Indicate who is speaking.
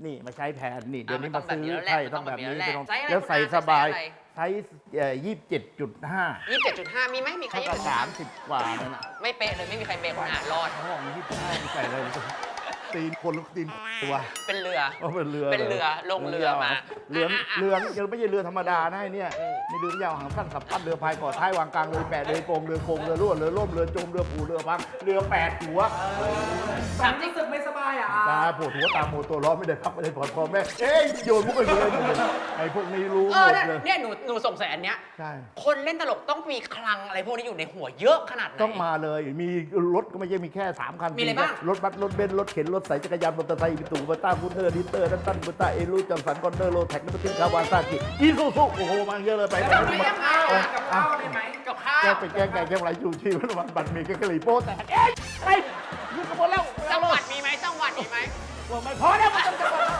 Speaker 1: นี่มาใช้แทนนี่เดี๋ยวนี้
Speaker 2: ต้
Speaker 1: มา
Speaker 2: องแบบ
Speaker 1: ซื้อ
Speaker 2: นี้แล้วแหละ
Speaker 1: ใช่
Speaker 2: ต้
Speaker 1: ต้
Speaker 2: อ
Speaker 1: อง ง
Speaker 2: แบ
Speaker 1: แบบ บ
Speaker 2: นี้
Speaker 1: นี้
Speaker 2: แล้วแหละ
Speaker 1: ต้อง
Speaker 2: ไซส์อะไร
Speaker 1: แล้วใส่
Speaker 2: คุณอา
Speaker 1: สบาย
Speaker 2: ไซส์อะไร
Speaker 1: ไซส์27.5
Speaker 2: 27.5มีไหมมีใคร
Speaker 1: เท่ากับ30 กว่านั่นน่ะ
Speaker 2: ไม่เป๊ะเลยไม่มีใครเป๊ะคนอ่านรอด
Speaker 1: ห้อง25มีใส่อะไรตีนคนหรือตีนตัว
Speaker 2: เป็นเรือ
Speaker 1: เป็นเรือ
Speaker 2: เป็นเรือลงเรือมา
Speaker 1: เรือยังไม่ใช่เรือธรรมดานะไอ้เนี่ยมีเรือยาวหางสั้นสับปั้นเรือพายก่อท้ายวางกลางเรือแปดเรือโกงเรือโคงเรือรั่วเรือล่มเรือจมเรือผูเรือพังเรือ8 หัว
Speaker 3: สามรู้สึกไม่สบายอ่ะ
Speaker 1: ตาปวดหัวตาโมตัวร้อนไม่ได้พักไม่ได้ผ่อนพอแม่เอ้ยโยนมุกไปเลยไอ้พวกนี้รู้หมดเลย
Speaker 2: เนี่ยหนูสงสัยอันเนี้ย
Speaker 1: ใช่
Speaker 2: คนเล่นตลกต้องมีคลังอะไรพวกนี้อยู่ในหัวเยอะขนาดไหน
Speaker 1: ต้องมาเลยมีรถก็ไม่ใช่มีแค่3 คัน
Speaker 2: มีอะไรบ้าง
Speaker 1: รถบัสรถเบนซ์รถเข็นรถใส่จักรยานมอเตอร์ไซค์ตู่บัตต้าบูเทอร์ดิเตอร์ดันตันบูต้าเอรูจอมสันคอนเนอร์โรแท็กนัตตินคาวาซากิอีซูซุโอ้โหมาเยอะเลยไป
Speaker 3: แล้วมียังไงกับข้าวได้ไหม
Speaker 2: กับข้าว
Speaker 1: แกเป็นแกงไก่แกงไรชูชีวันบัตรมีแกงกะหรี่โป๊ะแต่เอ๊ะไปยืนกันหมดแล้ว
Speaker 2: จังหวัดมีไหมจังหวัดมีไหม
Speaker 1: ว่าไม่พอแล้วมันต้องจังหวัด